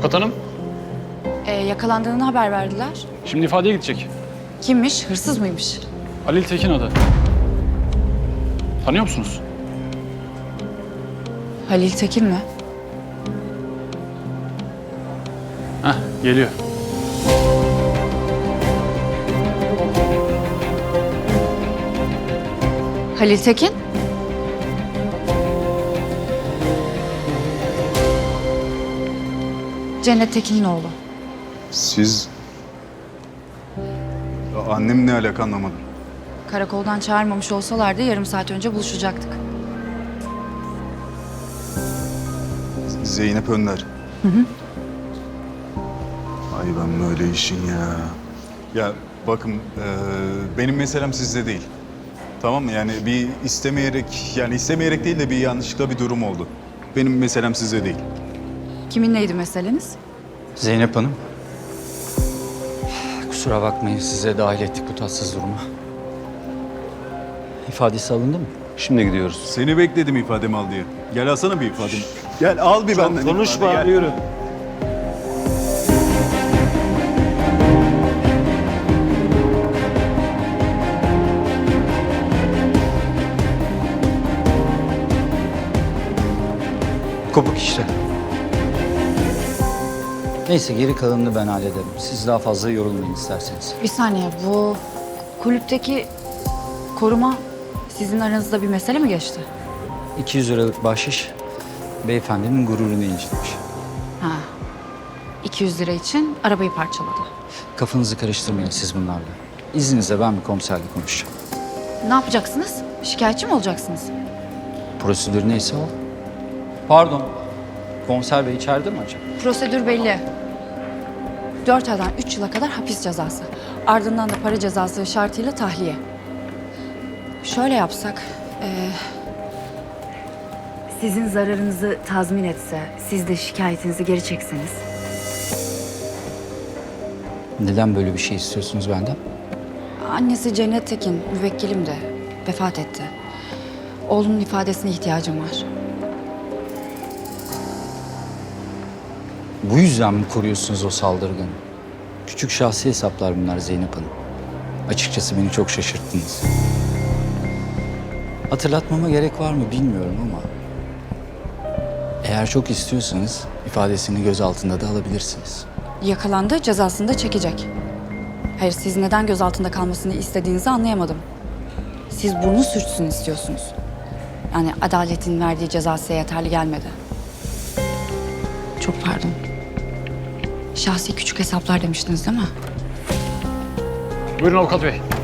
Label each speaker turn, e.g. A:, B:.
A: Avukat hanım,
B: Yakalandığını haber verdiler.
A: şimdi ifadeye gidecek.
B: Kimmiş? Hırsız mıymış?
A: Halil Tekin adı. Tanıyor musunuz?
B: Halil Tekin mi?
A: Heh, geliyor.
B: Halil Tekin? Cennet Tekin'in oğlu.
C: Siz... Annem ne alaka anlamadım.
B: Karakoldan çağırmamış olsalardı yarım saat önce buluşacaktık.
C: Zeynep Önder. Ay ben böyle işin ya. Ya bakın benim meselem sizde değil. Tamam mı? Yani bir istemeyerek değil de bir yanlışlıkla bir durum oldu. Benim meselem sizde değil.
B: Kiminleydi meseleniz?
D: Zeynep Hanım. Kusura bakmayın size dahil ettik bu tatsız duruma. İfadesi alındı mı?
E: Şimdi gidiyoruz.
C: Seni bekledim ifademi al diye. Gel alsana bir ifademi. Gel al bir benden
E: Konuşma,
C: ifade, gel.
E: yürü.
D: Kopuk işte. Neyse geri kalanını ben hallederim. Siz daha fazla yorulmayın isterseniz.
B: Bir saniye, bu kulüpteki koruma sizin aranızda bir mesele mi geçti?
D: 200 liralık bahşiş beyefendinin gururunu incitmiş.
B: Ha. 200 lira için arabayı parçaladı.
D: Kafanızı karıştırmayın siz bunlarla. İzninizle ben bir komiserle konuşacağım.
B: Ne yapacaksınız? Şikayetçi mi olacaksınız?
D: Prosedür neyse o. Pardon. Komiser bey içeride mi acaba?
B: Prosedür belli. 4 aydan 3 yıla kadar hapis cezası. Ardından da para cezası şartıyla tahliye. Şöyle yapsak, sizin zararınızı tazmin etse, siz de şikayetinizi geri çekseniz.
D: Neden böyle bir şey istiyorsunuz benden?
B: Annesi Cennet Tekin, müvekkilim de vefat etti. Oğlunun ifadesine ihtiyacım var.
D: Bu yüzden mi koruyorsunuz o saldırganı? Küçük şahsi hesaplar bunlar Zeynep Hanım. Açıkçası beni çok şaşırttınız. Hatırlatmama gerek var mı bilmiyorum ama... eğer çok istiyorsanız ifadesini gözaltında da alabilirsiniz.
B: Yakalandı, cezasını da çekecek. Hayır, siz neden gözaltında kalmasını istediğinizi anlayamadım. Siz burnu sürtsün istiyorsunuz. Yani adaletin verdiği ceza size yeterli gelmedi. Çok pardon. Şahsi küçük hesaplar demiştiniz değil mi?
A: Buyurun avukat bey.